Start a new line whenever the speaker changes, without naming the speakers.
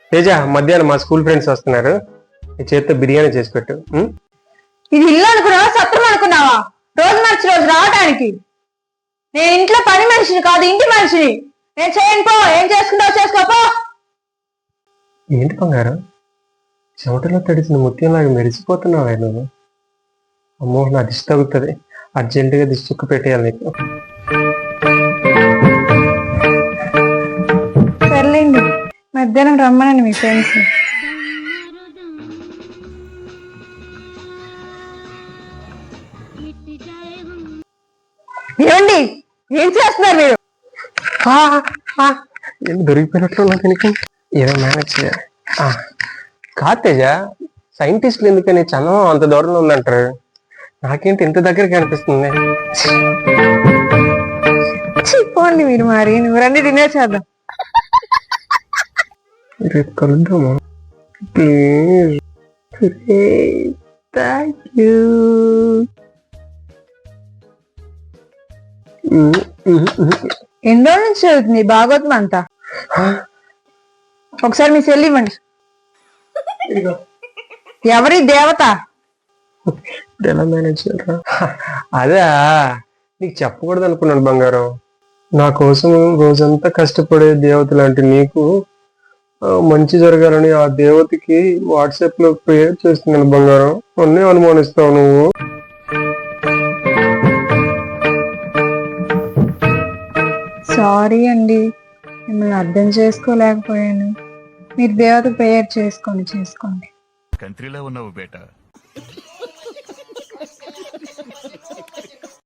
తేజ, మధ్యాహ్నం మా school friends వస్తున్నారు, ఈ చేత్తో బిర్యానీ చేసి పెట్టు.
ఇది ఇల్లు అనుకున్నావా, సత్రం అనుకున్నావా? రోజు మార్చి రోజు రావడానికి. నేను ఇంట్లో పని మనిషిని కాదు, ఇంటి మనిషిని. నేను చేయను, పో. ఏం చేసుకుంటావు చేసుకోపో.
ఏంటి బంగారం, చెమటలో తడిసిన ముత్యంలాగా మెరిసిపోతున్నావా నువ్వు? అమ్మో, నా దిష్టి తగ్గుతుంది. అర్జెంటుగా దిష్టి చుక్క పెట్టేయాలి నీకు.
సర్లేండి, మధ్యాహ్నం రమ్మనండి మీ ఫ్రెండ్స్. ఏమండి, ఏం చేస్తున్నారు మీరు?
ఏం దొరికిపోయినట్లు ఉన్నా దీనికి, ఏదో మేనేజ్ చేయాలి. కాదు తేజ, సైంటిస్టులు ఎందుకని చందమా అంత దూరంలో ఉందంటారు, నాకేంటి ఇంత దగ్గరికి అనిపిస్తుంది?
చెప్పండి మీరు, మరి నువ్వు రండి డిన్నర్ చేద్దాం.
రేపు కలుద్దామా ప్లీజ్? Thank you.
ఎన్ని రోజుల నుంచి చదువుతుంది భాగవతం అంతా? ఒకసారి మీ సెల్ ఇవ్వండి. ఎవరి దేవత?
ఎలా మేనేజ్ చేయరా? అదే నీకు చెప్పకూడదు అనుకున్నాను బంగారం. నా కోసం రోజంతా కష్టపడే దేవత లాంటి నీకు మంచి జరగాలని ఆ దేవతకి వాట్సాప్ లో ప్రేయర్ చేస్తున్నాను బంగారం. అన్నీ అనుమానిస్తావు నువ్వు.
సారీ అండి, మిమ్మల్ని అర్థం చేసుకోలేకపోయాను. మీరు దేవత ప్రేయర్ చేసుకోండి.
కంట్రీలో ఉన్నావు బేటా.